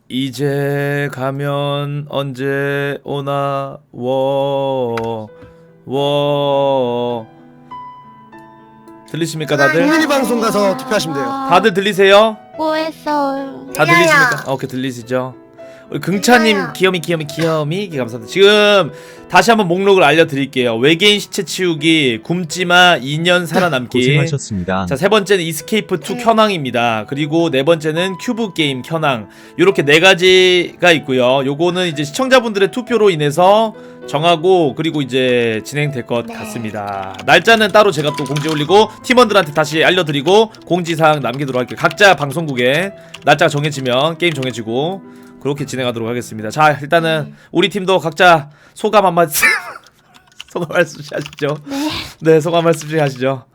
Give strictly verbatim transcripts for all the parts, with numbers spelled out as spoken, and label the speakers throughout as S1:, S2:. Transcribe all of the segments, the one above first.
S1: 이제 가면 언제 오나 워 워 들리십니까 다들?
S2: 흥민이 방송 가서 투표하시면 돼요.
S1: 다들 들리세요?
S3: 뭐 했어요?
S1: 다 들리십니까? 어, 오케이 들리시죠? 우리 긍차님 귀여미 귀여미 귀여미 감사합니다. 지금 다시 한번 목록을 알려드릴게요. 외계인 시체 치우기, 굶지마 이 년 살아남기.
S4: 고생하셨습니다.
S1: 자, 세 번째는 이스케이프 투 켜낭입니다. 그리고 네 번째는 큐브 게임 켜낭. 요렇게 네 가지가 있고요. 요거는 이제 시청자분들의 투표로 인해서 정하고 그리고 이제 진행될 것 네. 같습니다. 날짜는 따로 제가 또 공지 올리고 팀원들한테 다시 알려드리고 공지사항 남기도록 할게요. 각자 방송국에 날짜가 정해지면 게임 정해지고 그렇게 진행하도록 하겠습니다. 자, 일단은 네. 우리 팀도 각자 소감 한 말씀 소감 말씀씩 하시죠.
S3: 네.
S1: 네, 소감 말씀씩 하시죠.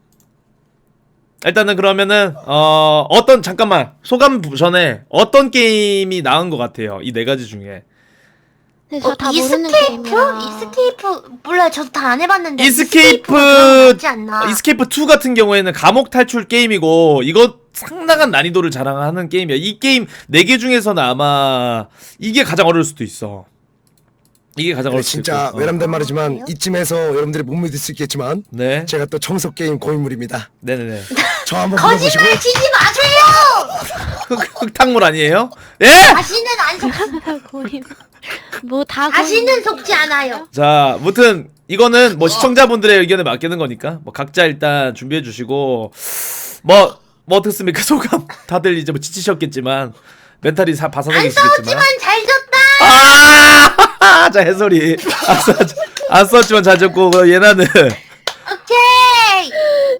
S1: 일단은 그러면은 어 어떤 잠깐만 소감 전에 어떤 게임이 나은 것 같아요? 이 네 가지 중에.
S3: 네, 저
S5: 어,
S3: 다 모르는
S5: 이스케이프?
S3: 게임이라.
S5: 이스케이프 몰라요. 저도 다 안 해봤는데.
S1: 이스케이프
S5: 맞지 않나?
S1: 이스케이프 투 같은 경우에는 감옥 탈출 게임이고 이거 상당한 난이도를 자랑하는 게임이야. 이 게임 네 개 중에서는 아마 이게 가장 어려울 수도 있어. 이게 가장 어려울 수도 있고.
S2: 진짜
S1: 어.
S2: 외람된 말이지만 이쯤에서 여러분들이 못 믿을 수 있겠지만
S1: 네.
S2: 제가 또 청소 게임 고인물입니다.
S1: 네네네.
S2: 저 한번 불러보시고.
S5: 거짓말 치지 마세요.
S1: 흑, 흑탕물 아니에요? 예?
S5: 다시는 안 속.
S3: 고임. 뭐다
S5: 다시는 속지 않아요.
S1: 자, 무튼 이거는 뭐 시청자분들의 의견에 맡기는 거니까 뭐 각자 일단 준비해 주시고 뭐 뭐 어떻습니까 소감? 다들 이제 뭐 지치셨겠지만 멘탈이 사,
S5: 안
S1: 바사삭이시겠지만
S5: 싸웠지만 잘 졌다.
S1: 아, 자 해설이 안 썼 안 썼지만 잘 졌고 얘나는
S5: 오케이.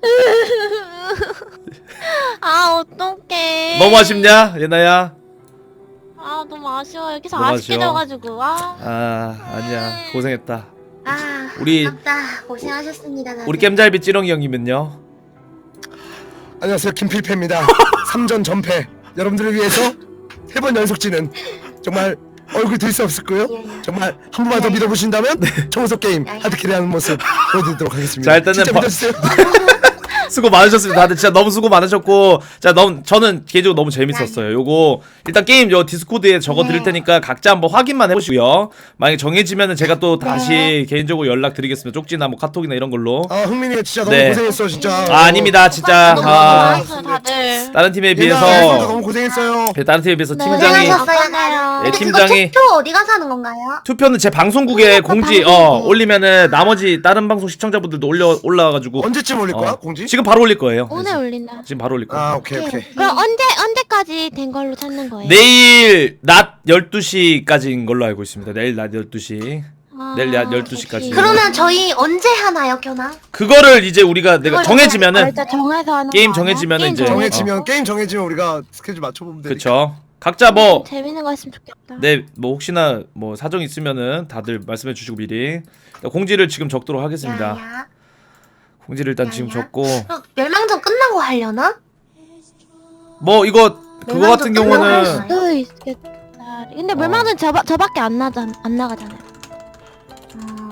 S3: 아 어떡해.
S1: 너무 아쉽냐 얘나야?
S3: 아 너무 아쉬워. 여기서
S1: 너무
S3: 아쉽게
S1: 아쉬워.
S3: 져가지고. 아.
S1: 아 아니야 고생했다.
S5: 아,
S1: 우리-
S5: 아깝다. 고생하셨습니다. 다들.
S1: 우리 겜잘비 찌렁이 형님은요?
S2: 안녕하세요, 김필패입니다. 삼 전 전패. 여러분들을 위해서 세 번 연속지는 정말 얼굴 들 수 없을 거요. 정말 한 번만 더 믿어보신다면 청소 게임 하드캐리하는 모습 보여드리도록 하겠습니다.
S1: 자, 일단은
S2: 진짜
S1: 바-
S2: 믿어주세요.
S1: 수고 많으셨습니다. 다들 진짜 너무 수고 많으셨고, 자, 너무 저는 개인적으로 너무 재밌었어요. 요거 일단 게임 요 디스코드에 적어 드릴 테니까 각자 한번 확인만 해보시고요. 만약에 정해지면은 제가 또 다시 개인적으로 연락 드리겠습니다. 쪽지나 뭐 카톡이나 이런 걸로.
S2: 아, 흥민이가 진짜 너무
S1: 네.
S2: 고생했어, 진짜.
S1: 아, 아닙니다, 진짜.
S3: 너무
S1: 아,
S3: 많았어요 다들.
S1: 다른 팀에
S2: 얘나
S1: 비해서
S2: 너무 고생했어요.
S1: 네, 다른 팀에 비해서
S3: 네,
S1: 팀장이
S5: 고생하셨어요.
S1: 예,
S5: 근데
S1: 팀장이-
S5: 그거 투표 어디 가서 하는 건가요?
S1: 투표는 제 방송국에
S3: 방송국,
S1: 공지 어
S3: 방송국.
S1: 올리면은 나머지 다른 방송 시청자분들도 올려 올라와가지고
S2: 언제쯤 올릴 거야,
S1: 어,
S2: 공지?
S1: 지금 바로 올릴 거예요.
S3: 오늘 올린다.
S1: 지금 바로 올릴 거예요.
S2: 아, 오케이, 오케이.
S3: 그럼 언제 언제까지 된 걸로 찾는 거예요?
S1: 내일 낮 열두 시까지인 걸로 알고 있습니다. 내일 낮 열두 시.
S3: 아,
S1: 내일 낮 열두 시까지.
S3: 오케이.
S5: 그러면 저희 언제 하나요, 견아?
S1: 그거를 이제 우리가 내가
S5: 그걸
S1: 정해지면은
S3: 일단 정해서 하는
S1: 게임
S3: 거 아니야?
S1: 정해지면은
S3: 게임
S1: 이제-
S3: 정해서.
S2: 정해지면 게임 정해지면 우리가 스케줄 맞춰보면 되니까.
S1: 그쵸. 각자 뭐
S3: 재밌는 거 했으면 좋겠다.
S1: 네, 뭐 혹시나 뭐 사정 있으면은 다들 말씀해 주시고 미리 공지를 지금 적도록 하겠습니다.
S5: 야야.
S1: 공지를 일단
S5: 야,
S1: 지금
S5: 야.
S1: 적고
S5: 어, 멸망전 끝나고 하려나?
S1: 뭐 이거 그거
S5: 멸망전
S1: 같은
S5: 끝나고
S1: 경우는
S5: 하려나?
S3: 또 있겠다. 근데
S1: 어.
S3: 멸망전 저 저밖에 안 나잖 안 나가잖아요.
S5: 음.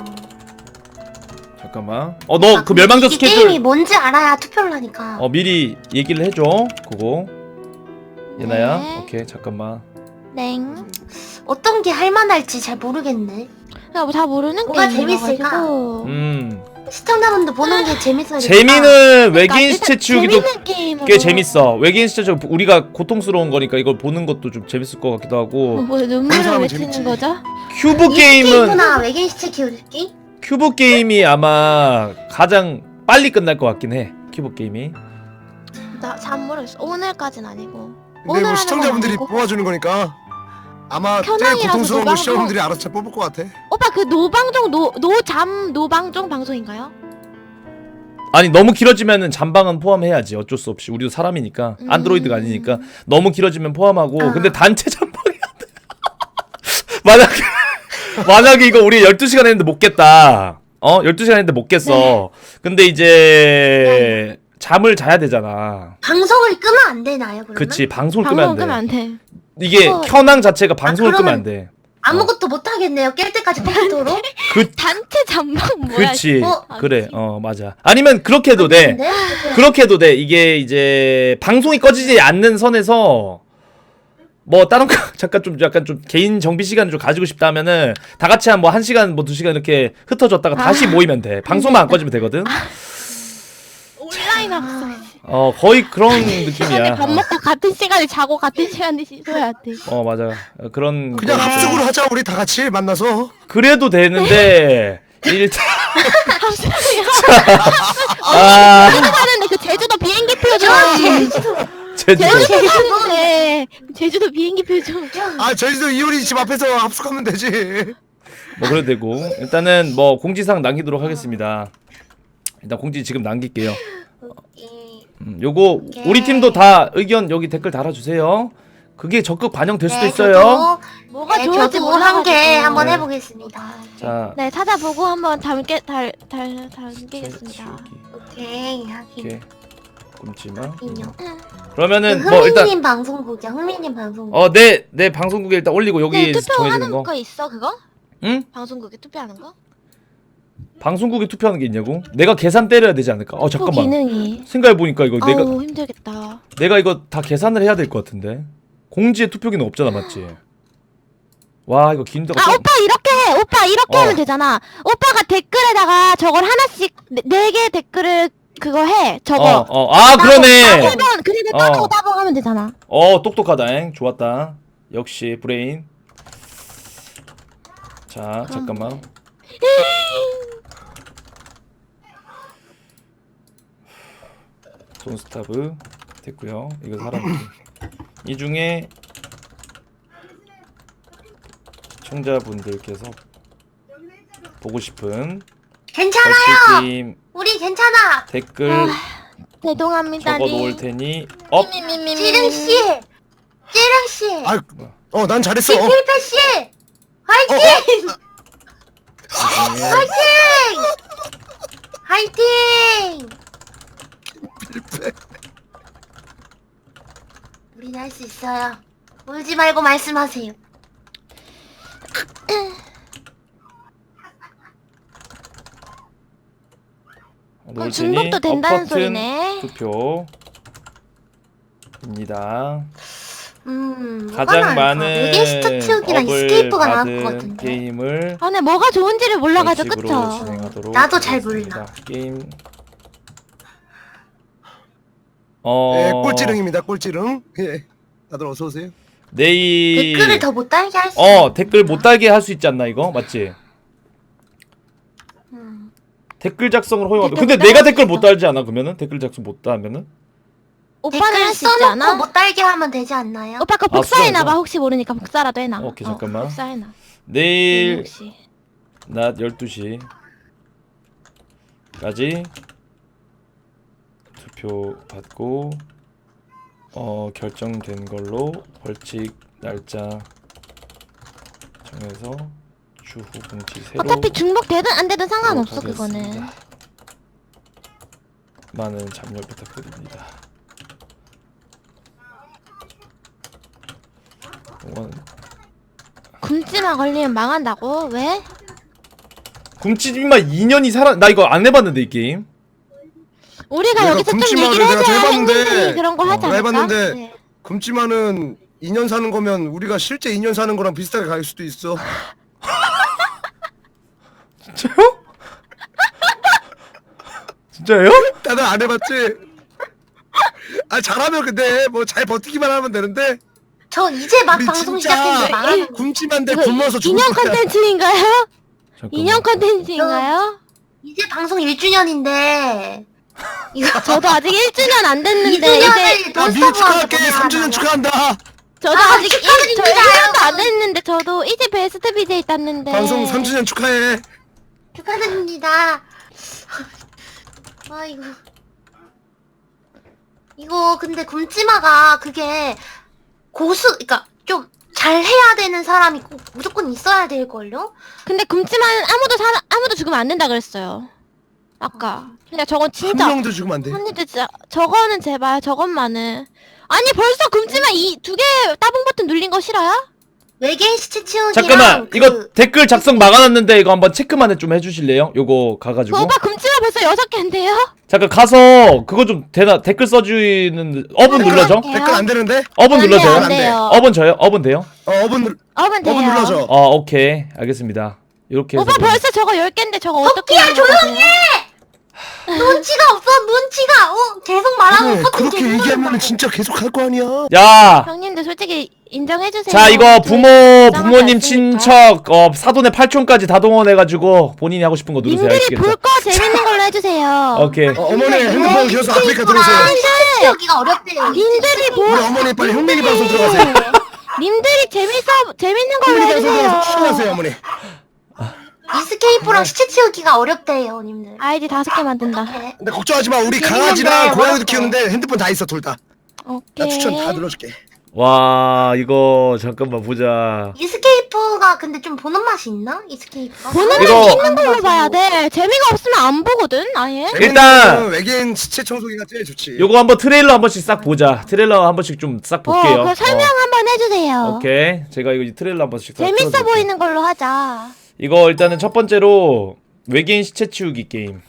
S1: 잠깐만. 어 너
S5: 아,
S1: 그
S5: 근데
S1: 멸망전
S5: 이
S1: 스케줄
S5: 게임이 뭔지 알아야 투표를 하니까.
S1: 어 미리 얘기를 해줘. 그거 예나야.
S3: 네.
S1: 오케이 잠깐만.
S3: 땡.
S5: 어떤 게 할만할지 잘 모르겠네.
S3: 그냥 다 모르는
S5: 뭐가
S3: 게임이라가지고.
S5: 재밌을까?
S1: 음
S5: 시청자분들 보는 게 재밌어야 되니까.
S1: 재미는
S3: 그러니까
S1: 외계인
S3: 일단
S1: 시체 치우기도
S3: 재밌는 게임으로.
S1: 꽤 재밌어. 외계인 시체 치우기 우리가 고통스러운 거니까 이걸 보는 것도 좀 재밌을 것 같기도
S3: 뭐,
S1: 하고.
S3: 뭐
S2: 그런
S3: 눈물을
S2: 사람은
S3: 외치는
S2: 재밌지.
S3: 거죠?
S1: 큐브 게임은
S5: 이스케이프나 외계인 시체 키우기?
S1: 큐브 게임이 아마 가장 빨리 끝날 것 같긴 해. 큐브 게임이.
S3: 나 잘 모르겠어. 오늘까지는 아니고.
S2: 근데
S3: 오늘
S2: 뭐
S3: 하는
S2: 시청자분들이
S3: 건 아니고.
S2: 뽑아주는 거니까 아마 제일
S3: 현황이라서
S2: 고통스러운 거
S3: 노방송-
S2: 시청자분들이 알아서 잘 뽑을 것 같아.
S3: 오빠 그 노방종 노 노잠 노방종 방송인가요?
S1: 아니 너무 길어지면은 잠방은 포함해야지. 어쩔 수 없이 우리도 사람이니까
S3: 음.
S1: 안드로이드가 아니니까 너무 길어지면 포함하고.
S5: 아.
S1: 근데 단체 잠방이 안 돼. 만약에 만약에 이거 우리 열두 시간 했는데 못 깼다. 어? 열두 시간 했는데 못 깼어. 근데 이제 잠을 자야 되잖아.
S5: 방송을 끄면 안 되나요, 그러면?
S1: 그치 방송을
S3: 방송
S1: 끄면 안 돼.
S3: 끄면 안 돼.
S1: 이게
S3: 어.
S1: 켜낭 자체가 방송을
S5: 그러면-
S1: 끄면 안 돼.
S5: 아무것도 못 하겠네요. 깰 때까지 컴퓨터로.
S1: 그
S3: 단체 잠방 뭐야?
S1: 그치
S5: 어?
S1: 그래 어 맞아. 아니면 그렇게 해도 돼.
S5: 근데
S1: 그렇게 해도 돼. 이게 이제 방송이 꺼지지 않는 선에서 뭐 다른 거 잠깐 좀 약간 좀 개인 정비 시간을 좀 가지고 싶다면은 다 같이 한 뭐 한 시간 뭐 두 시간 이렇게 흩어졌다가 다시
S3: 아.
S1: 모이면 돼. 방송만 안 꺼지면 되거든.
S3: 온라인 학습.
S1: 어 거의 그런
S3: 시간에
S1: 느낌이야.
S3: 밥 먹고 같은 시간에 자고 같은 시간에 씻어야 돼.
S1: 어 맞아. 어, 그런
S2: 그냥
S1: 거-
S2: 합숙으로 하자 우리 다 같이 만나서.
S1: 그래도 되는데 일단 아
S3: 하는데 그 제주도 비행기 표 좀.
S1: 제주도
S3: 제주도 가는데 제주도 비행기 표 좀.
S2: 아 저희도 이효리 집 앞에서 합숙하면 되지.
S1: 뭐 그래도 되고 일단은 뭐 공지사항 남기도록 하겠습니다. 일단 공지 지금 남길게요. 음, 요거 우리 팀도 다 의견 여기 댓글 달아주세요. 그게 적극 반영될 수도
S5: 네,
S1: 있어요.
S5: 저도,
S3: 뭐가
S5: 네,
S3: 좋을지
S5: 저도 한 개
S3: 몰라가지고.
S5: 한번
S1: 네.
S5: 해보겠습니다.
S1: 자,
S3: 네 찾아보고 한번 담게 달달 담기겠습니다.
S5: 오케이 하긴.
S1: 이렇게 굶지마.
S5: 인형.
S1: 그러면은
S5: 그
S1: 뭐 일단
S5: 흥민님 방송국이야. 흥민님 방송국.
S1: 어 내 내 방송국에 일단 올리고 여기
S3: 네,
S1: 정해지는
S3: 투표하는
S1: 거.
S3: 거 있어 그거?
S1: 응?
S3: 방송국에 투표하는 거?
S1: 방송국에 투표하는 게 있냐고? 내가 계산 때려야 되지 않을까? 어
S3: 그
S1: 잠깐만.
S3: 기능이.
S1: 생각해 보니까 이거 내가
S3: 아우 힘들겠다.
S1: 내가 이거 다 계산을 해야 될 것 같은데. 공지에 투표 기능 없잖아, 맞지? 와 이거 긴다가
S3: 아 오빠 이렇게 해. 오빠 이렇게
S1: 어.
S3: 하면 되잖아. 오빠가 댓글에다가 저걸 하나씩 네 개 댓글을 그거 해. 저거.
S1: 어, 어. 아 그러네.
S3: 따봉 그리고
S1: 어.
S3: 따봉 따봉 하면 되잖아.
S1: 어 똑똑하다잉. 좋았다. 역시 브레인. 자 잠깐만. 손스타브 됐고요. 이거 사람 이 중에 시청자분들께서 보고 싶은
S5: 괜찮아요.
S1: 벌칙 게임
S5: 우리 괜찮아.
S1: 댓글
S3: 아, 죄송합니다.
S1: 적어 놓을 테니 업.
S5: 찌릉 씨, 찌릉 씨,
S2: 아어난 잘했어.
S5: 김필패 씨, 화이팅!
S1: 이 중에
S5: 화이팅! 화이팅! 우린 할 수 있어요. 울지 말고 말씀하세요.
S1: 놓을
S3: 그럼 중복도
S1: 테니
S3: 된다는
S1: 업 버튼
S3: 소리네.
S1: 투표입니다.
S5: 음, 뭐가
S1: 가장
S5: 나을까?
S1: 많은
S5: 외계 스타 키우기랑
S1: 업을
S5: 스케이프가 나올 것
S1: 받은
S5: 같은데.
S1: 게임을
S3: 아 근데 뭐가 좋은지를 몰라가지고
S1: 벌칙으로
S3: 그쵸?
S1: 진행하도록
S5: 나도 잘
S1: 하겠습니다.
S5: 몰라.
S1: 게임 어
S2: 예, 꼴찌릉입니다. 꼴찌릉. 예. 다들 어서 오세요.
S1: 내일
S5: 댓글을 더 못 달게 할 수.
S1: 어 댓글 못 달게 할 수 있지 않나 이거 맞지?
S5: 음.
S1: 댓글 작성을 허용하도
S3: 댓글
S1: 근데
S3: 못
S1: 내가
S3: 달을
S1: 댓글
S3: 수
S1: 못
S3: 있어.
S1: 달지 않아 그러면은 댓글 작성 못 달면은
S3: 오빠는
S5: 댓글
S3: 할 수 있지
S5: 써놓고
S3: 않아?
S5: 못 달게 하면 되지 않나요?
S3: 오빠 거
S1: 아,
S3: 복사해놔봐.
S1: 수정해서?
S3: 혹시 모르니까 복사라도 해놔.
S1: 오케이,
S3: 어,
S1: 잠깐만.
S3: 복사해놔.
S1: 내일
S3: 혹시.
S1: 낮 열두 시까지 투표 받고 어 결정된 걸로 벌칙 날짜 정해서 추후 공지 새로
S3: 어차피 중복 되든 안 되든 상관없어
S1: 하도록
S3: 그거는.
S1: 하겠습니다. 많은 참여 부탁드립니다. 이건
S3: 굶지마 걸리면 망한다고? 왜?
S1: 굶지마 이 년이 살아 나 이거 안 해봤는데 이 게임.
S3: 우리가
S2: 내가
S3: 여기서 좀
S2: 굶지마를
S3: 얘기를
S2: 내가
S3: 해줘야
S2: 해봤는데,
S3: 행님들이 그런 거
S2: 어,
S3: 하지
S2: 내가
S3: 않을까?
S2: 해봤는데
S5: 네.
S2: 굶지마는 이 년 사는 거면 우리가 실제 이 년 사는 거랑 비슷하게 갈 수도 있어.
S1: 진짜요? 진짜요?
S2: 다들 안 해봤지? 아 잘하면 근데 뭐 잘 버티기만 하면 되는데
S5: 저 이제 막
S2: 우리
S5: 방송
S2: 진짜
S5: 시작했는데 망하는 거.
S2: 굶지만데
S3: 이거
S2: 굶어서 죽을
S3: 인형
S2: 거야.
S3: 컨텐츠인가요?
S1: 잠깐만.
S3: 인형 컨텐츠인가요?
S5: 이제 방송 일 주년인데 이거
S3: 저도 아직 일 주년 안 됐는데
S5: 이 주년을
S3: 이제
S2: 아 미리 축하할게. 삼 주년 축하한다.
S3: 저도
S5: 아,
S3: 아직 일, 저
S5: 축하드립니다,
S3: 일 년도 안
S5: 여러분.
S3: 됐는데 저도 이제 베스트 비제이 땄는데
S2: 방송 삼 주년 축하해.
S5: 축하드립니다. 아 이거 이거 근데 굶지마가 그게 고수 그러니까 좀 잘해야 되는 사람이 꼭 무조건 있어야 될걸요?
S3: 근데 굶지만 아무도 사 아무도 죽으면 안 된다 그랬어요 아까. 근데 저건
S2: 한
S3: 진짜
S2: 명도 죽으면 안 돼.
S3: 언니들 진짜 저거는 제발 저것만은 아니 벌써 굶지만 이 두 개 따봉 버튼 눌린 거 싫어요?
S5: 외계인 시체 치우기랑
S1: 잠깐만
S5: 그...
S1: 이거 댓글 작성 막아놨는데 이거 한번 체크만 좀 해주실래요? 요거 가가지고.
S3: 그 오빠 금치마 벌써 여섯 개인데요?
S1: 잠깐 가서 그거 좀 대나 댓글 써주는 어분
S3: 댓글
S1: 눌러줘.
S3: 할게요.
S2: 댓글 안 되는데?
S1: 어분
S3: 안
S1: 눌러줘요.
S3: 돼요, 안 돼요.
S1: 어분 저요? 어분 돼요?
S2: 어 어분 눌
S3: 어분 돼요.
S2: 어분 눌러줘.
S1: 어 오케이 알겠습니다. 이렇게 해서
S3: 오빠
S1: 그럼-
S3: 벌써 저거 열 개인데 저거 어떻게
S5: 토끼야, 조용히 눈치가 없어 눈치가. 어 계속 말하고
S2: 그래,
S5: 커튼
S2: 그렇게 얘기하면은 진짜 계속 할 거 아니야.
S1: 야.
S3: 형님들 솔직히 인정해주세요.
S1: 자 이거
S3: 저희
S1: 부모
S3: 인정하지
S1: 부모님
S3: 않으니까.
S1: 친척 어 사돈의 팔촌까지 다 동원해가지고 본인이 하고 싶은 거 누르세요.
S3: 님들이
S1: 아시겠죠?
S3: 볼 거 재밌는 걸로 해주세요.
S1: 오케이.
S2: 어, 어머니 핸드폰 기어서 아프리카 들어오세요.
S5: 시체 치우기가 어렵대요.
S3: 님들이 볼
S2: 우리 어머니 빨리 흥민이 방송 들어가세요.
S3: 님들이 재밌어 재밌는 걸로
S2: 흥민이 방송 들어가서 추천하세요
S3: 해주세요.
S2: 어머니.
S5: 이스케이프랑 시체 치우기가 어렵대요 님들.
S3: 아이디 다섯 개 만든다.
S5: 네.
S2: 근데 걱정하지 마. 우리
S5: 재밌는데
S2: 강아지랑 고양이도
S5: 어렵대.
S2: 키우는데 핸드폰 다 있어 둘 다. 나
S3: 오케이.
S2: 추천 다 눌러줄게.
S1: 와 이거 잠깐만 보자.
S5: 이스케이프가 근데 좀 보는 맛이 있나? 이스케이프가?
S3: 보는
S1: 이거-
S3: 맛 있는 걸로 봐야 돼. 재미가 없으면 안 보거든 아예.
S1: 일단-
S2: 외계인 시체 청소기가 제일 좋지.
S1: 요거 한번 트레일러 한 번씩 싹 보자. 트레일러 한 번씩 좀 싹 볼게요.
S3: 어, 그 설명
S1: 어,
S3: 한번 해주세요.
S1: 오케이. 제가 이거 트레일러 한 번씩 싹
S3: 재밌어
S1: 틀어드릴게요.
S3: 보이는 걸로 하자.
S1: 이거 일단은 첫 번째로 외계인 시체 치우기 게임.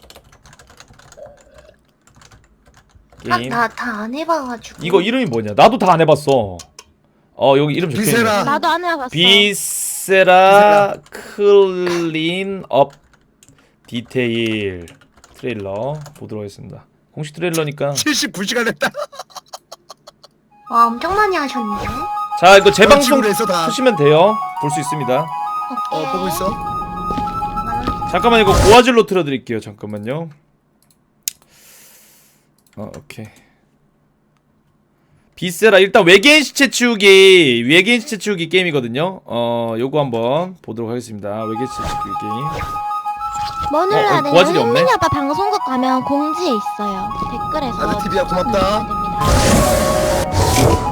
S1: 게임.
S5: 나 다 안 해봐가지고.
S1: 이거 이름이 뭐냐? 나도 다 안 해봤어. 어 여기 이름 적혀있네.
S2: 비세라.
S3: 나도 안 해봤어.
S1: 비세라 클린 업 디테일 트레일러 보도록 하겠습니다. 공식 트레일러니까.
S2: 칠십구 시간 했다.
S5: 와 엄청 많이 하셨네.
S1: 자 이거 재방송
S2: 방송으로 해서 다.
S1: 하시면 돼요. 볼 수 있습니다.
S5: 오케이.
S2: 어 보고 있어.
S1: 잠깐만 이거 고화질로 틀어드릴게요. 잠깐만요. 어 오케이. 비세라 일단 외계인 시체 치우기 외계인 시체 치우기 게임이거든요. 어 요거 한번 보도록 하겠습니다. 외계인 시체 치우기 게임.
S3: 뭐
S1: 어,
S3: 눌러야
S1: 어,
S3: 되냐?
S1: 고화질이 없네?
S3: 흥민이 아빠 방송국 가면 공지에 있어요. 댓글에서.
S2: 나도 티비야, 고맙다.
S3: 추천 누르시면 됩니다.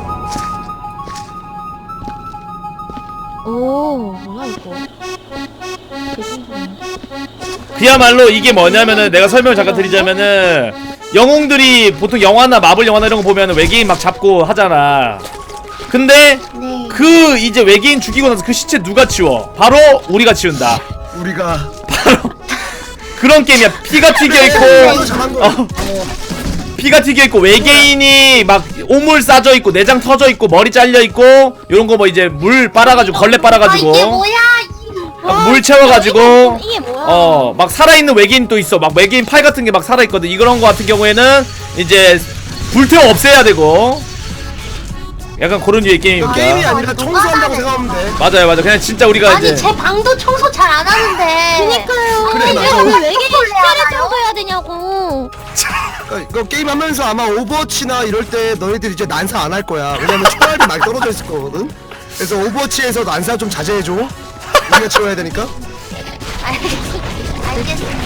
S3: 오 뭐야 이거? 되게 신기한데?
S1: 그야말로 이게 뭐냐면은 내가 설명을 잠깐 드리자면은 영웅들이 보통 영화나 마블 영화나 이런 거 보면은 외계인 막 잡고 하잖아. 근데
S5: 네.
S1: 그 이제 외계인 죽이고 나서 그 시체 누가 치워? 바로 우리가 치운다.
S2: 우리가
S1: 그런 게임이야. 피가 튀겨
S2: 어,
S1: 있고
S2: 잘한 거.
S1: 어, 피가 튀겨 있고 외계인이 막 오물 싸져 있고 내장 터져 있고 머리 잘려 있고 요런 거 뭐 이제 물 빨아가지고 걸레
S5: 아
S1: 빨아가지고
S5: 이게 뭐야?
S1: 막 물 채워가지고
S3: 이게 뭐야?
S1: 어 막 살아있는 외계인 또 있어. 막 외계인 팔 같은 게 막 살아있거든. 이런 거 같은 경우에는 이제 불태워 없애야 되고 약간 그런 류의
S2: 이거
S1: 게임입니다.
S2: 게임이 아니라
S5: 아,
S2: 청소한다고
S5: 노가다네.
S2: 생각하면 돼.
S1: 맞아요 맞아요. 그냥 진짜 우리가
S5: 아니
S1: 이제
S5: 제 방도 청소 잘 안 하는데.
S3: 그니까요.
S2: 그래,
S3: 왜
S2: 맞아.
S3: 왜 외계인 시체를
S5: 알아요?
S3: 청소해야 되냐고.
S2: 어, 이거 게임 하면서 아마 오버워치나 이럴 때 너희들 이제 난사 안 할 거야. 왜냐면 총알이 많이 떨어져 있을 거거든. 그래서 오버워치에서 난사 좀 자제해줘. 우리가 치워야 되니까.
S5: 알겠- 알겠습니다.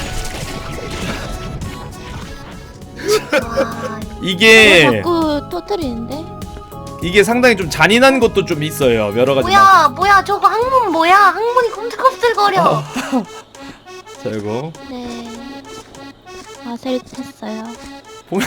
S5: 와,
S3: 왜
S1: 이게
S3: 자꾸 터뜨리는데?
S1: 이게 상당히 좀 잔인한 것도 좀 있어요. 여러 가지. 막.
S5: 뭐야 뭐야 저거 항문 뭐야? 항문이 꼼틀꼼틀거려.
S1: 자 이거
S3: 네. 아셀 했어요.
S1: 보면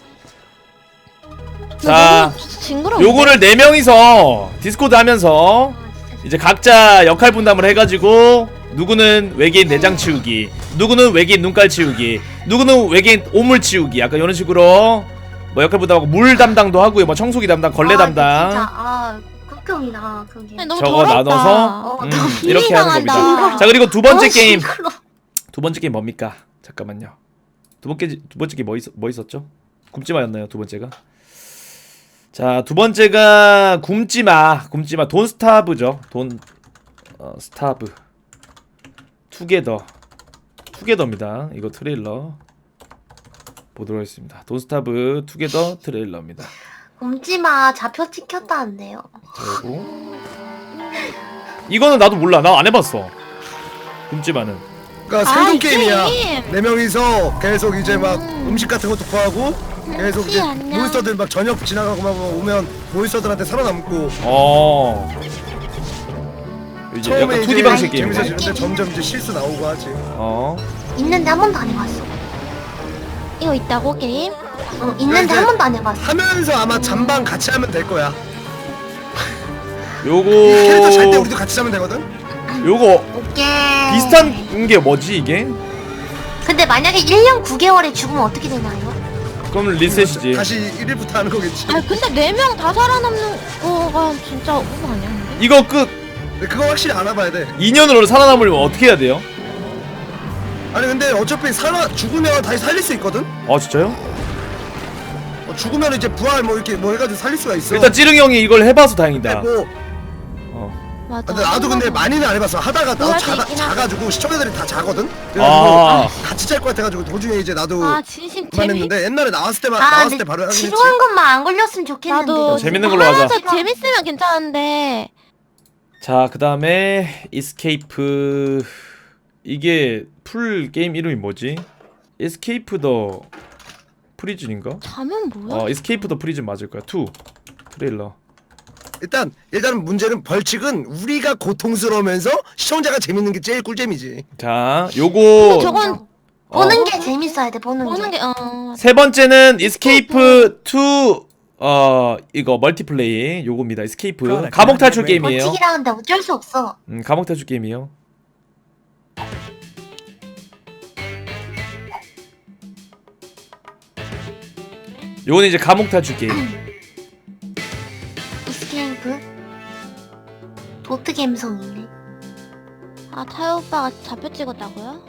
S1: 자
S3: 징그러워.
S1: 요거를 네 명이서 디스코드 하면서 이제 각자 역할 분담을 해가지고 누구는 외계인 내장 치우기, 누구는 외계인 눈깔 치우기, 누구는 외계인 오물 치우기, 약간 이런 식으로 뭐 역할 분담하고 물 담당도 하고요, 뭐 청소기 담당, 걸레
S5: 아,
S1: 담당.
S5: 진짜 아 극혐이다 그게.
S3: 아니, 너무
S1: 저거
S3: 더럽다.
S1: 나눠서
S5: 어,
S1: 음,
S5: 너무
S1: 이렇게 하는
S3: 비리당한다.
S1: 겁니다. 자 그리고 두 번째
S5: 어,
S1: 게임,
S5: 징그러.
S1: 두 번째 게임 뭡니까? 잠깐만요. 두 번째 두 번째 게임 뭐, 있, 뭐 있었죠? 굶지마였나요? 두 번째가? 자 두 번째가 굶지마, 굶지마 돈 스타브죠. 돈 어, 스타브. 투게더, 투게더입니다. 이거 트레일러 보도록 하겠습니다. 돈 스타브 투게더 트레일러입니다.
S5: 굶지마 잡혀 찍혔다는데요.
S1: 그리고 이거는 나도 몰라. 나 안 해봤어. 굶지마는.
S2: 그러니까
S3: 아,
S2: 생존
S3: 이
S2: 게임이야.
S3: 게임.
S2: 네 명이서 계속 이제 막
S3: 음.
S2: 음식 같은 것도 구하고 계속 이제
S3: 안녕.
S2: 몬스터들 막 저녁 지나가고 막 오면 몬스터들한테 살아남고
S1: 어. 이제
S2: 처음에
S1: 약간
S2: 이제
S1: 투디 방식 게임이네.
S2: 재밌어지는데 점점 이제 실수 나오고 하지.
S1: 어.
S5: 있는데 한 번도 안 해봤어.
S3: 이거 있다고 게임?
S5: 어, 있는데
S2: 이제
S5: 한 번도 안 해봤어.
S2: 하면서 아마 잠방 같이 하면 될 거야.
S1: 요거
S2: 캐릭터 잘 때 우리도 같이 자면 되거든.
S1: 요거
S5: 오케이.
S1: 비슷한 게 뭐지 이게?
S5: 근데 만약에 일 년 구 개월에 죽으면 어떻게 되나요?
S1: 그럼 리셋이지.
S2: 다시 일 일부터 하는 거겠지.
S3: 아 근데 네 명 다 살아남는 거가 진짜 오버 아니야? 근데?
S1: 이거 끝.
S2: 근데 그거 확실히 알아봐야 돼.
S1: 이 년으로 살아남으려면 어떻게 해야 돼요?
S2: 아니 근데 어차피 살아 죽으면 다시 살릴 수 있거든.
S1: 아 진짜요?
S2: 어, 죽으면 이제 부활 뭐 이렇게 뭐 해가지고 살릴 수가 있어.
S1: 일단 찌릉 형이 이걸 해봐서
S2: 근데
S1: 다행이다.
S2: 뭐
S1: 어.
S3: 맞아.
S2: 근데 나도 근데 많이는 안 해봤어. 하다가 나도
S3: 부활도
S2: 자가,
S3: 있긴
S2: 자가지고 시청자들이 다 자거든.
S1: 아.
S2: 그래가지고 같이 잘 것 같아가지고 도중에 이제 나도
S3: 아 진심 재미.
S2: 그만했는데 옛날에 나왔을 때만
S5: 아,
S2: 나왔을
S5: 근데
S2: 때 바로 하긴 했지.
S5: 지루한 것만 안 걸렸으면 좋겠는데.
S3: 나도
S1: 재밌는 걸로 하자.
S3: 하나도 재밌으면 괜찮은데.
S1: 자, 그 다음에 이스케이프. 이게 풀 게임 이름이 뭐지? 에스케이프 더 프리즌인가?
S3: 자면 뭐야?
S1: 어, 에스케이프 더 프리즌 맞을 거야. 투 트레일러.
S2: 일단 일단 문제는 벌칙은 우리가 고통스러우면서 시청자가 재밌는 게 제일 꿀잼이지.
S1: 자,
S3: 근데
S1: 요거
S3: 저건
S5: 보는
S1: 어.
S5: 게 재밌어야 돼. 보는,
S3: 보는
S5: 게.
S3: 게 어.
S1: 세 번째는 이스케이프 투 어, 이거 멀티플레이 요겁니다. 이스케이프 감옥 탈출 게임이에요.
S5: 벌칙이라는데 어쩔 수 없어.
S1: 음, 감옥 탈출 게임이에요. 요거는 이제 감옥 탈출 게임.
S5: 이스케이프 도트 감성이네.
S3: 아 타요 오빠가 잡혀 찍었다고요?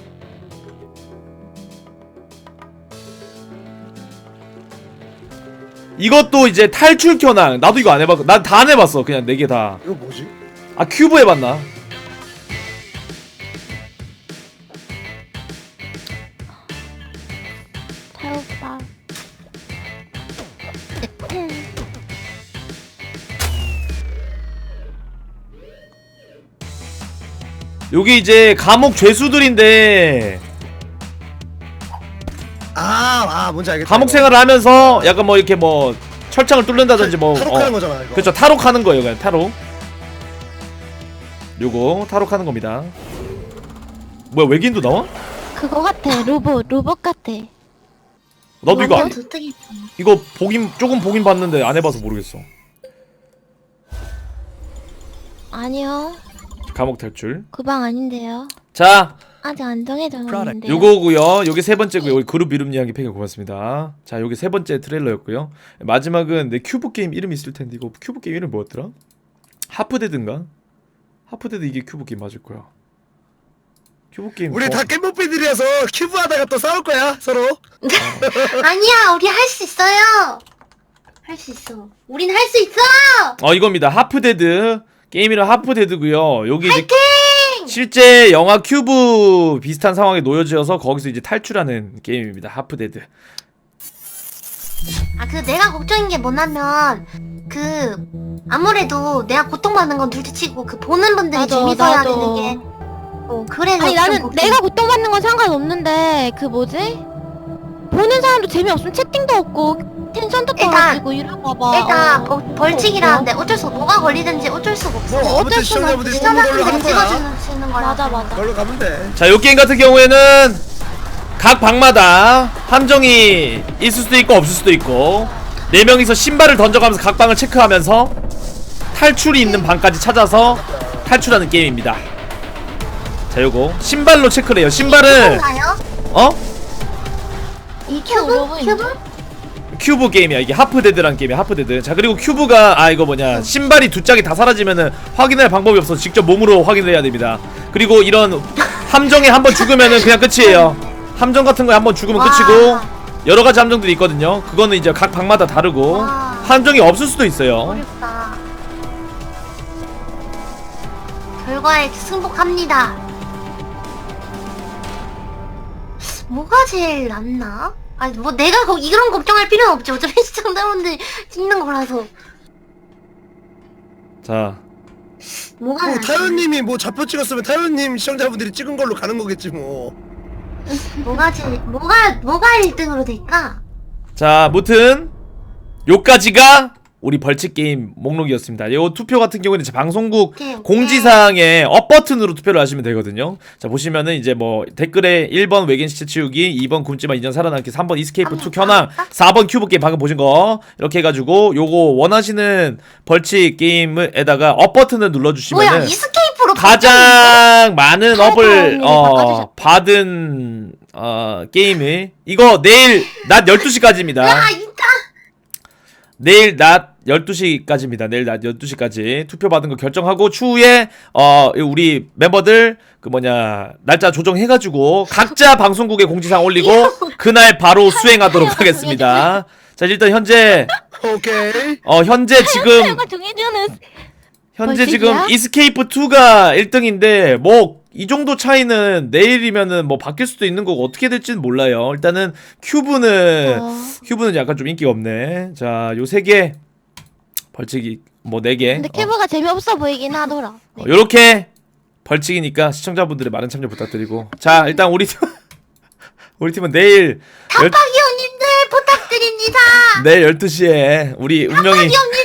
S1: 이것도 이제 탈출 켜낭. 나도 이거 안 해봤고 난 다 안 해봤어. 그냥 네 개 다.
S2: 이거 뭐지?
S1: 아 큐브 해봤나?
S3: 타요 오빠.
S1: 요게 이제 감옥 죄수들인데
S2: 아, 아 뭔지 알겠다.
S1: 감옥
S2: 이거.
S1: 생활을 하면서 약간 뭐 이렇게 뭐 철창을 뚫는다든지 뭐
S2: 탈옥하는
S1: 어,
S2: 거잖아 이거.
S1: 그렇죠. 탈옥하는 거예요. 그냥 탈옥. 요거 탈옥하는 겁니다. 뭐야 외계인도 나와?
S3: 그거 같아. 로봇 로봇 같아.
S1: 나도 이거
S5: 완전
S1: 안,
S5: 도트 감성.
S1: 이거 보긴 조금 보긴 봤는데 안 해봐서 모르겠어.
S3: 아니요.
S1: 감옥 탈출.
S3: 그 방 아닌데요.
S1: 자,
S3: 아직 안 정해졌는데.
S1: 요거고요. 요게 세 번째고요. 여기 그룹 이름 이야기 팩에 고맙습니다. 자, 요게 세 번째 트레일러였고요. 마지막은 내 큐브 게임 이름 있을 텐데 이거 큐브 게임 이름 뭐였더라? 하프데드인가? 하프데드 이게 큐브 게임 맞을 거야. 큐브 게임.
S2: 우리
S1: 어,
S2: 다 깻모삐들이라서 큐브 하다가 또 싸울 거야 서로.
S5: 아니야, 우리 할 수 있어요. 할 수 있어. 우린 할 수 있어.
S1: 어 이겁니다. 하프데드 게임 이름 하프데드고요. 여기 이제 실제 영화 큐브 비슷한 상황에 놓여져서 거기서 이제 탈출하는 게임입니다. 하프데드.
S5: 아, 그 내가 걱정인 게 뭐냐면 그 아무래도 내가 고통받는 건 둘째치고 그 보는 분들이
S3: 맞아,
S5: 재밌어야
S3: 나도.
S5: 되는 게. 어, 그래서
S3: 아니
S5: 좀
S3: 나는
S5: 걱정.
S3: 내가 고통받는 건 상관없는데 그 뭐지? 보는 사람도 재미없으면 채팅도 없고 텐션도
S5: 일단-
S3: 떨어지고 이럴까봐.
S5: 일단
S3: 어.
S5: 벌, 벌칙이라는데 어쩔 수 뭐가 걸리든지 어쩔 수가 없어.
S2: 뭐 아무튼
S3: 어쩔 수는
S2: 시청자분들이
S3: 없지.
S2: 뽑는 걸로 가는
S5: 시청자분들이
S2: 거야.
S5: 찍어주는 거야.
S3: 맞아 맞아.
S2: 그걸로 가면 돼.
S1: 자, 요 게임 같은 경우에는 각 방마다 함정이 있을 수도 있고 없을 수도 있고 네 명이서 신발을 던져가면서 각 방을 체크하면서 탈출이 있는 방까지 찾아서 탈출하는 게임입니다. 자, 요거 신발로 체크를 해요. 신발을
S5: 큐브인가요?
S1: 어?
S5: 이 큐브?
S3: 로봇인데?
S5: 큐브?
S1: 큐브 게임이야. 이게 하프데드란 게임이야. 하프데드. 자, 그리고 큐브가 아 이거 뭐냐 신발이 두 짝이 다 사라지면은 확인할 방법이 없어서 직접 몸으로 확인을 해야 됩니다. 그리고 이런 함정에 한번 죽으면은 그냥 끝이에요. 함정 같은 거에 한번 죽으면
S5: 와.
S1: 끝이고 여러 가지 함정들이 있거든요. 그거는 이제 각 방마다 다르고
S5: 와.
S1: 함정이 없을 수도 있어요.
S5: 어렵다. 결과에 승복합니다. 뭐가 제일 낫나? 아니 뭐 내가 거, 이런 걱정할 필요는 없지. 어차피 시청자분들이 찍는 거라서.
S1: 자,
S5: 뭐가
S2: 뭐
S5: 낫지?
S2: 타요님이 뭐 좌표 찍었으면 타요님 시청자분들이 찍은 걸로 가는 거겠지 뭐.
S5: 뭐가 제일 뭐가 뭐가 일 등으로 될까?
S1: 자, 무튼 요까지가 우리 벌칙 게임 목록이었습니다. 요 투표 같은 경우는 이제 방송국
S5: 오케이, 오케이.
S1: 공지사항에 업 버튼으로 투표를 하시면 되거든요. 자, 보시면은 이제 뭐 댓글에 일 번 외계인 시체 치우기, 이 번 굶지마 이 년 살아남기, 삼 번 이스케이프 투 켜낭, 사 번 큐브 게임 방금 보신 거 이렇게 해가지고 요거 원하시는 벌칙 게임에다가 업 버튼을
S5: 뭐야
S1: 눌러주시면은
S5: 이스케이프로
S1: 가장 많은
S3: 팔
S1: 업을
S3: 번이네,
S1: 어,
S3: 바꿔주셨다.
S1: 받은 어, 게임을 이거 내일 낮 열두 시까지입니다.
S5: 야 이따
S1: 내일 낮 열두 시까지입니다. 내일 낮 열두 시까지 투표 받은 거 결정하고 추후에 어 우리 멤버들 그 뭐냐 날짜 조정해가지고 각자 방송국에 공지사항 올리고 그날 바로 수행하도록 하겠습니다. 자 일단 현재
S2: 오케이.
S1: 어 현재 지금
S3: 이거 정해주는
S1: 현재
S3: 벌칙이야?
S1: 지금 이스케이프 투가 일 등인데 뭐 이 정도 차이는 내일이면은 뭐 바뀔 수도 있는 거고 어떻게 될지는 몰라요. 일단은 큐브는
S3: 어.
S1: 큐브는 약간 좀 인기가 없네. 자, 요 세 개 벌칙이 뭐 네 개.
S3: 근데 큐브가 재미없어 보이긴 하더라. 네.
S1: 어, 요렇게 벌칙이니까 시청자분들의 많은 참여 부탁드리고. 자, 일단 우리 팀 우리 팀은 내일 열,
S5: 박이형님들 부탁드립니다.
S1: 내일 열두 시에 우리 운명이
S5: 박이형님들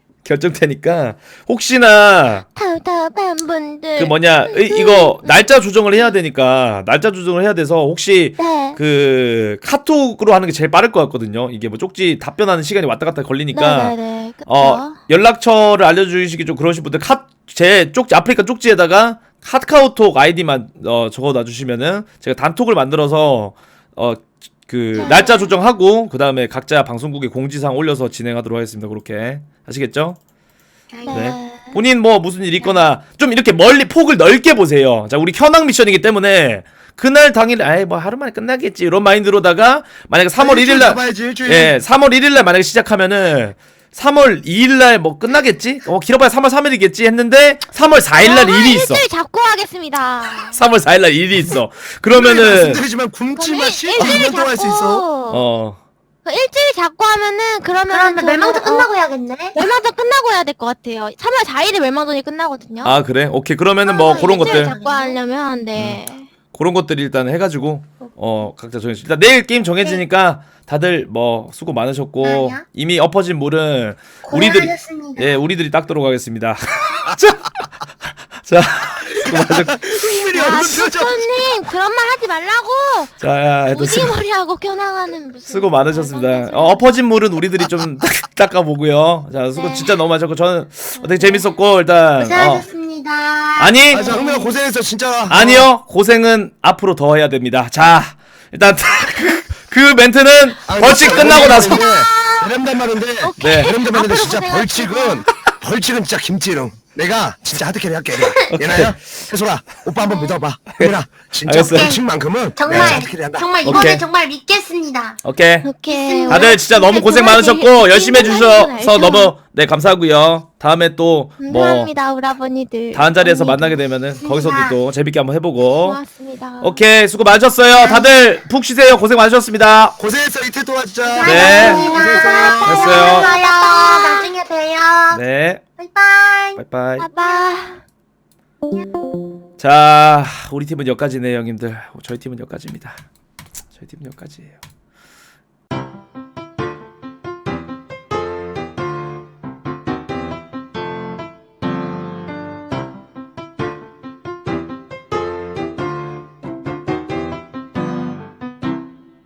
S1: 결정되니까 혹시나
S3: 답답한 분들.
S1: 그 뭐냐 이, 이거 날짜 조정을 해야 되니까 날짜 조정을 해야 돼서 혹시
S3: 네.
S1: 그 카톡으로 하는 게 제일 빠를 것 같거든요. 이게 뭐 쪽지 답변하는 시간이 왔다 갔다 걸리니까
S3: 네네네. 그쵸.
S1: 어 연락처를 알려주시기 좀 그러신 분들 카 제 쪽지 아프리카 쪽지에다가 카카오톡 아이디만 어 적어 놔주시면은 제가 단톡을 만들어서 어 그 날짜 조정하고 그 다음에 각자 방송국에 공지사항 올려서 진행하도록 하겠습니다. 그렇게 하시겠죠? 네. 본인 뭐 무슨 일 있거나 좀 이렇게 멀리 폭을 넓게 보세요. 자, 우리 현황 미션이기 때문에 그날 당일 아이 뭐 하루 만에 끝나겠지 이런 마인드로다가 만약에 삼월 일 일 날
S2: 잡아야지 일주일.
S1: 예, 삼월 일 일 날 만약에 시작하면은 삼월 이 일 날 뭐 끝나겠지? 어, 길어봐야 삼월 삼 일이겠지 했는데 삼월 사 일 날
S3: 저는
S1: 일이 있어.
S3: 일주일 잡고 하겠습니다.
S1: 삼월 사 일 날 일이 있어. 그러면은
S2: 말씀드리지만 굶지
S3: 그럼
S2: 마시
S3: 일-
S2: 일
S3: 일주일
S2: 년 동안 할 수 있어.
S3: 잡고
S1: 어.
S3: 그 일주일 잡고 하면은 그러면
S5: 그러면 멸망전 끝나고 해야겠네.
S3: 멸망전 끝나고 해야 될 것 같아요. 삼월 사 일에 멸망전이 끝나거든요.
S1: 아, 그래? 오케이. 그러면은 뭐 그런
S3: 일주일
S1: 것들
S3: 잡고 하려면 네.
S1: 그런 것들 일단 해가지고 어 각자 정해주. 일단 내일 게임 정해지니까 다들 뭐 수고 많으셨고
S5: 아니야.
S1: 이미 엎어진 물은 우리들이
S5: 고생하셨습니다.
S1: 예 우리들이 닦도록 하겠습니다. 자, 자 수고 많으셨고
S2: 흥민이
S3: 야,
S2: 얼굴 표정.
S3: 수님 그런 말 하지 말라고.
S1: 자 일단 수,
S3: 오지머리하고 겨나가는 무슨.
S1: 수고 많으셨습니다. 어, 엎어진 물은 우리들이 좀 닦아보고요. 자 수고
S5: 네.
S1: 진짜 너무 많으셨고 저는 되게 재밌었고 일단 어,
S5: 고생하셨습니다.
S1: 아니
S2: 아, 자, 흥민아 고생했어 진짜.
S1: 아니요 고생은 앞으로 더 해야 됩니다. 자 일단 그 멘트는
S2: 아,
S1: 벌칙
S2: 진짜
S1: 끝나고 나서
S2: 이런단 말인데.
S1: 네.
S2: 이런단 말인데
S3: 앞으로
S2: 진짜
S3: 고생하시고.
S2: 벌칙은 벌칙은 진짜 김치롱. 내가 진짜 하드캐리 할게. 얘나야, 해솔아, 오빠 한번 믿어봐. 흥민아, 진짜
S1: 알겠어요.
S2: 벌칙만큼은
S5: 정말
S2: 내가 하드캐리 한다.
S5: 정말
S1: 오케이.
S5: 이번에 정말 믿겠습니다.
S1: 오케이
S3: 오케이.
S1: 다들 진짜 너무 고생 많으셨고 열심히 해주셔서 너무 네 감사하고요. 다음에 또 뭐
S3: 감사합니다, 우리 아버니들.
S1: 다음 자리에서
S3: 언니들.
S1: 만나게 되면은 거기서도 또 재밌게 한번 해보고
S3: 고맙습니다.
S1: 오케이 수고 많으셨어요. 다들 푹 쉬세요. 고생 많으셨습니다.
S2: 고생했어 이틀 동안 진짜.
S1: 네.
S5: 고생하셨습니다.
S1: 됐어요.
S5: 고생하셨어요. 나중에 봬요.
S1: 네
S5: 바이바이.
S1: 바이바이.
S3: 봐봐.
S1: 자 우리 팀은 여기까지네요 형님들. 저희 팀은 여기까지입니다. 저희 팀은 여기까지예요.